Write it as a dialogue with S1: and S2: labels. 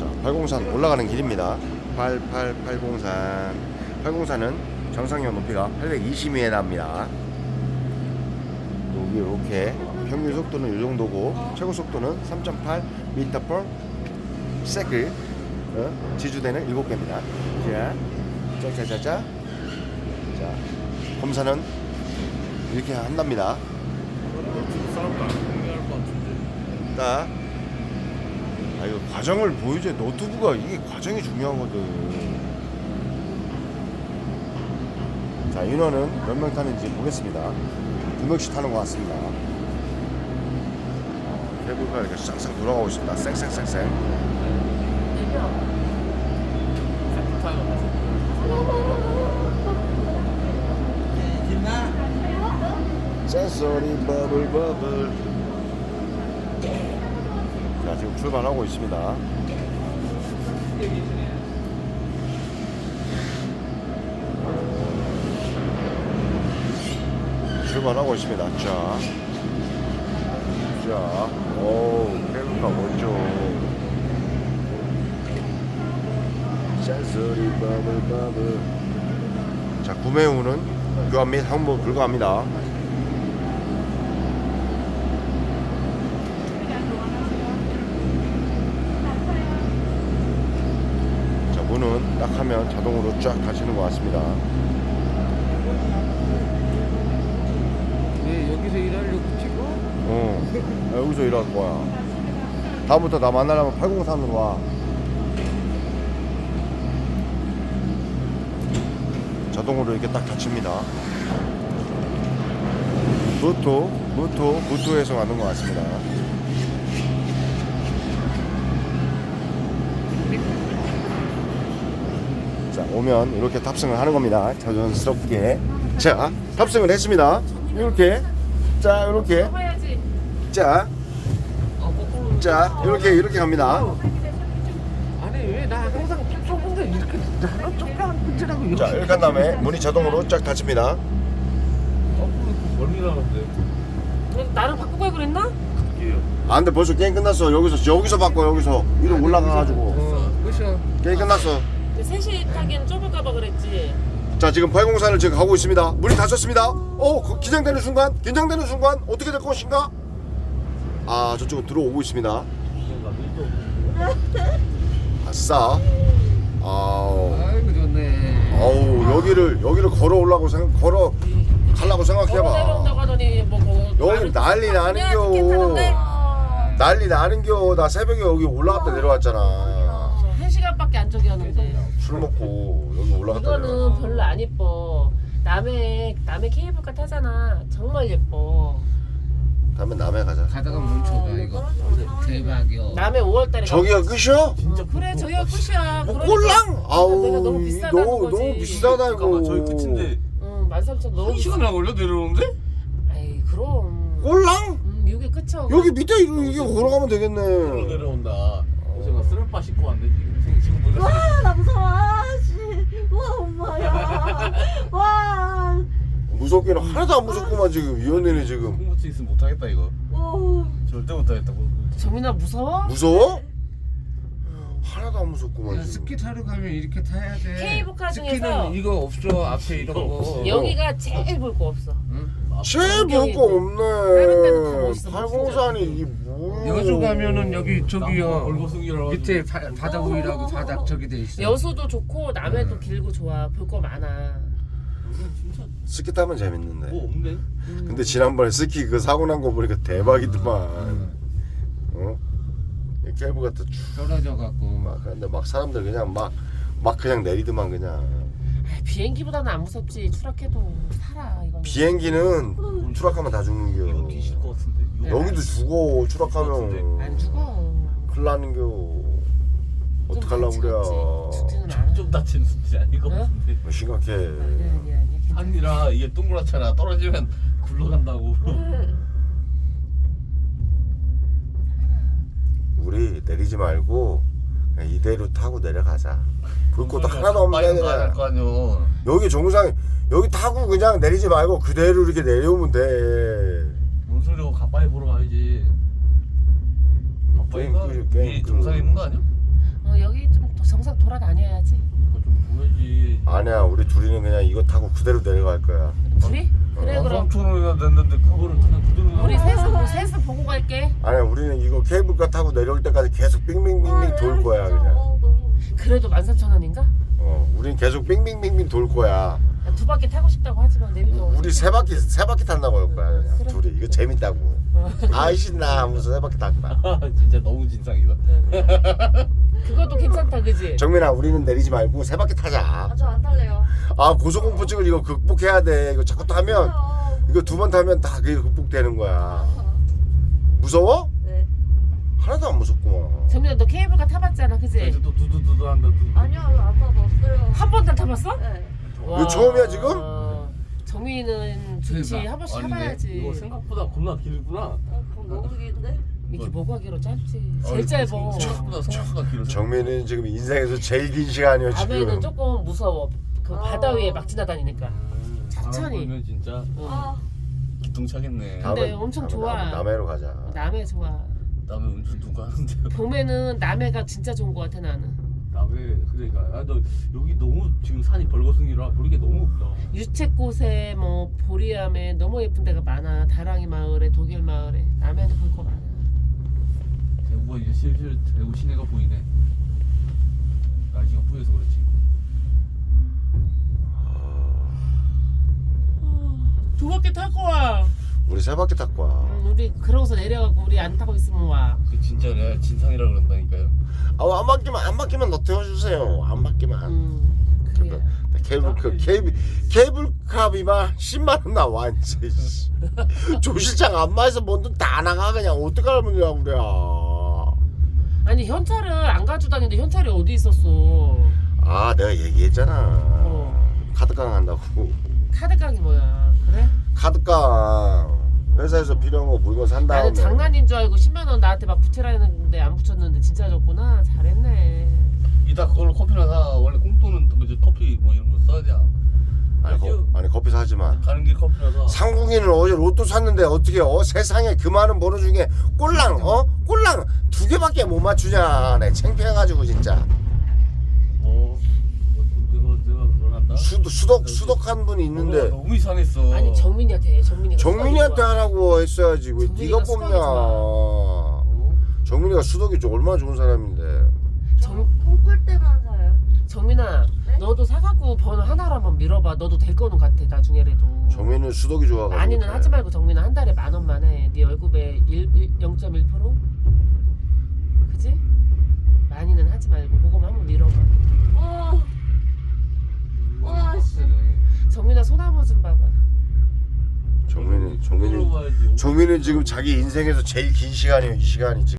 S1: 자, 803 올라가는 길입니다. 80803. 803은 정상용 높이가 820m 납니다. 여기 이렇게 평균 속도는 이 정도고 최고 속도는 3.8m/s. 지주대는 7개입니다. 자, 검사는 이렇게 한답니다. 딱. 이거 과정을 보여줘야 노트북가 이게 과정이 중요하거든. 자, 인원은 몇 명 타는지 보겠습니다. 2명씩 타는 것 같습니다. 케이블카가 이렇게 싹싹 돌아가고 있습니다. 쌩쌩쌩쌩. 센소리 버블. 자, 지금 출발하고 있습니다. 출발하고 있습니다. 오, 케이블카 멋져. 센소리 버블. 자, 구매 후는 교환 및 항모 불가합니다. 자, 문은 딱 하면 자동으로 쫙 닫히는 것 같습니다.
S2: 왜 여기서 일하려고 찍어?
S1: 여기서 일할 거야. 다음부터 나 만나려면 803으로 와. 자동으로 이렇게 딱 닫힙니다. 무토에서 가는 것 같습니다. 자, 오면 이렇게 탑승을 하는 겁니다. 자연스럽게. 자, 탑승을 했습니다. 이렇게. 자, 이렇게. 자, 이렇게 갑니다.
S2: 아니 왜 나 항상 좁은데 이렇게 나는 좁게 붙이라고.
S1: 자, 이렇게 한 다음에 문이 자동으로 쫙 닫힙니다.
S2: 멀리 나는데.
S3: 나를 바꾸고 그랬나?
S1: 안 돼, 벌써 게임 끝났어. 여기서 바꿔, 여기서. 위로 올라가가지고.
S2: 끝이야.
S1: 게임 끝났어.
S3: 3시 타기엔 좁을까봐 그랬지.
S1: 자, 지금 804를 지금 가고 있습니다. 문이 닫혔습니다. 긴장되는 순간 어떻게 될 것인가? 아, 저쪽은 들어오고 있습니다. 아싸.
S2: 아이고 좋네.
S1: 여기를 걸어 올라고 가려고 생각해봐.
S3: 내려온다고 하더니
S1: 여기 난리 나는겨. 난리 나는겨. 나 새벽에 여기 올라갔다 내려왔잖아.
S3: 1시간밖에 안 저기였는데.
S1: 술 먹고 여기 올라갔다
S3: 이거는
S1: 내려왔.
S3: 별로 안 예뻐. 남의 케이블카 타잖아. 정말 예뻐.
S1: 다음에 남해 가자.
S2: 가다가 멈춰봐 이거. 대박이야.
S3: 남의 5월달에.
S1: 저기가 끝이야?
S3: 그래 저기가 끝이야.
S1: 뭐
S3: 그러니까
S1: 꼴랑? 아우,
S3: 내가 너무 비싸다는
S1: 너무
S3: 거지.
S1: 비싸다 이거.
S4: 잠깐만, 저희 끝인데
S3: 13,000 너무.
S4: 1시간이나 걸려 내려오는데?
S3: 에이 그럼.
S1: 꼴랑?
S3: 이게 끝이야.
S1: 여기 밑에 이게 걸어가면 되겠네.
S4: 내려온다. 어제가 쓰레빠 씻고 왔네 지금 보자.
S5: 와, 나 무서워. 씨. 와, 엄마야. 와.
S1: 무섭기는 하나도 안 무섭구만 지금. 이 언니는 지금
S4: 공부치 있으면 못하겠다 이거.
S5: 오.
S4: 절대 못하겠다.
S3: 정민아 무서워?
S1: 무서워? 하나도 안 무섭구만 지금.
S2: 스키 타러 가면 이렇게 타야 돼.
S3: 케이블카 중에서
S2: 스키는 이거 없어 앞에 이런 거.
S3: 여기가 제일 볼 거 없어.
S1: 제일 볼 거
S3: 다른 데도 다
S1: 없네.
S3: 멋있어,
S1: 803이 이게 뭐야?
S2: 여수 가면은 여기 저기요
S4: 얼거숭이라고
S2: 밑에 바다 보이라고 바닥 저기 돼 있어.
S3: 여수도 좋고 남해도 길고 좋아. 볼 거 많아.
S1: 스키 타면 재밌는데.
S4: 뭐 없네.
S1: 근데 지난번에 스키 그 사고 난 거 보니까 대박이더만. 이 케이블 같은
S2: 떨어져 갖고.
S1: 근데 막 사람들 그냥 막 그냥 내리더만 그냥.
S3: 비행기보다는 안 무섭지. 추락해도 살아 이거.
S1: 비행기는 추락하면 다 죽는겨.
S4: 뒤질 것 같은데.
S1: 여기도 죽어 추락하면.
S3: 안 죽어.
S1: 큰일 나는겨. 어떡하려고 그래.
S3: 죽지는 않아.
S4: 좀 다치는 수준이 아닐 것 같은데.
S1: 심각해.
S3: 아니야.
S4: 아니라 이게 동그랗잖아. 떨어지면 굴러간다고.
S1: 우리 내리지 말고 그냥 이대로 타고 내려가자. 볼 것도 하나도 없네 그냥.
S4: 거 아니야.
S1: 여기 정상 여기 타고 그냥 내리지 말고 그대로 이렇게 내려오면 돼.
S4: 뭔 소리고 가빠이 보러 가야지. 가빠이가
S1: 게임
S4: 위에 정상에 있는 거 아니야?
S3: 돌아다녀야지.
S4: 그거 좀 보여지.
S1: 아니야, 우리 둘이는 그냥 이거 타고 그대로 내려갈 거야.
S3: 둘이? 그래 그럼
S4: 3,000원이나 냈는데 그거를 그냥 그대로
S3: 우리 셋을 보고 갈게.
S1: 아니야, 우리는 이거 케이블카 타고 내려올 때까지 계속 빙빙빙빙 돌 거야 그냥.
S5: 너무
S3: 그래도 13,000원인가?
S1: 우린 계속 빙빙빙빙 돌 거야.
S3: 두 바퀴 타고 싶다고 하지만 내비도
S1: 우리 세 바퀴 탄다고 할 거야 그냥.
S3: 그래.
S1: 둘이 이거 재밌다고. 아이 신나 하면서 세 바퀴 탈 거야.
S4: 진짜 너무 진상이다.
S3: 그것도 괜찮다 그지?
S1: 정민아, 우리는 내리지 말고 세 바퀴 타자.
S5: 저 안 탈래요.
S1: 아, 고소공포증을 이거 극복해야 돼. 이거 자꾸 타면 이거 두 번 타면 다 그게 극복되는 거야. 무서워?
S5: 네.
S1: 하나도 안 무섭구만.
S3: 정민아 너 케이블카 타봤잖아 그지?
S4: 이제 또 두두두두 한다.
S5: 아니요, 안 타봤어요.
S3: 한 번도 안 타봤어?
S5: 네.
S1: 이거 처음이야, 지금?
S3: 정민이는 좋지 한 번씩
S4: 아니네.
S3: 타봐야지.
S4: 이거 생각보다 겁나 길구나.
S5: 그럼 너무 긴데?
S3: 이렇게 뭐가 길어 짧지. 제일
S4: 아니,
S3: 짧아.
S4: 생각보다 길어.
S1: 정민이는 지금 인생에서 제일 긴 시간이야
S3: 밤에는
S1: 지금.
S3: 조금 무서워. 그 바다 위에 막 지나다니니까. 천천히.
S4: 보면 진짜
S3: 응.
S5: 아,
S4: 기똥차겠네.
S3: 근데 엄청 좋아.
S1: 남해로 가자.
S3: 남해 좋아.
S4: 남의 운전 누가 하는데?
S3: 봄에는 남해가 진짜 좋은 것 같아 나는.
S4: 남의 그러니까 너 여기 너무 지금 산이 벌거숭이라 보기가 너무 없다.
S3: 유채꽃에 뭐 보리암에 너무 예쁜 데가 많아. 다랑이 마을에 독일 마을에 남해는 볼 거 많아.
S4: 대구가 이제 슬슬 대구 시내가 보이네. 날씨가 뿌여서 그렇지.
S3: 두 바퀴 타고 와.
S1: 우리 세 바퀴 타고 와.
S3: 우리 그러고서 내려가고 우리 안 타고 있으면 와.
S4: 그 진짜 내가 진상이라 그런다니까요.
S1: 안 바뀌면 너 태워주세요. 안 바뀌면.
S3: 그래.
S1: 케이블카비만 10만 원 나와 이제. 조실장 안마에서 뭔 돈 다 나가 그냥 어떡하면 되냐고 그래.
S3: 아니 현찰을 안 가지고 다니는데 현찰이 어디 있었어?
S1: 아, 내가 얘기했잖아. 카드깡 한다고.
S3: 카드깡이 뭐야? 그래?
S1: 카드깡 회사에서 필요한 거 물건 산 다음에.
S3: 나는 장난인 줄 알고 10만 원 나한테 막 붙이라 했는데 안 붙였는데 진짜 줬구나. 잘했네.
S4: 이따 그걸로 커피나 사. 원래 꽁돈은 또 이제 커피 뭐 이런 거 써야 돼.
S1: 아니 커피 사지 마.
S4: 가는 길 커피나 사.
S1: 상국이는 어제 로또 샀는데 어떻게 세상에 그 많은 번호 중에 꼴랑 꼴랑 2개밖에 못 맞추냐. 내 창피해가지고 진짜.
S4: 내가 그걸 한다.
S1: 수덕한 분이 있는데
S4: 너무 이상했어.
S3: 아니 정민이한테 해.
S1: 정민이한테 하라고 했어야지. 왜
S3: 정민이가
S1: 네가
S3: 수덕이
S1: 뽑냐. 정민이가 수덕이 얼마나 좋은 사람인데.
S5: 꿈꿀 때만 사요.
S3: 정민아,
S5: 네?
S3: 너도 사갖고 번호 하나로 한번 밀어봐. 너도 될 거는 같아 나중에라도.
S1: 정민이는 수덕이 좋아가지고.
S3: 많이는 하지 말고 정민아 한 달에 10,000원만 해. 네 월급의 0.1%? 그지? 많이는 하지 말고 그거만 한번 밀어봐.
S5: 와, 씨.
S3: 정민아 소나무 좀 봐봐.
S1: 정민이 지금 자기 인생에서 제일 긴 시간이에요. 이 시간이 지금.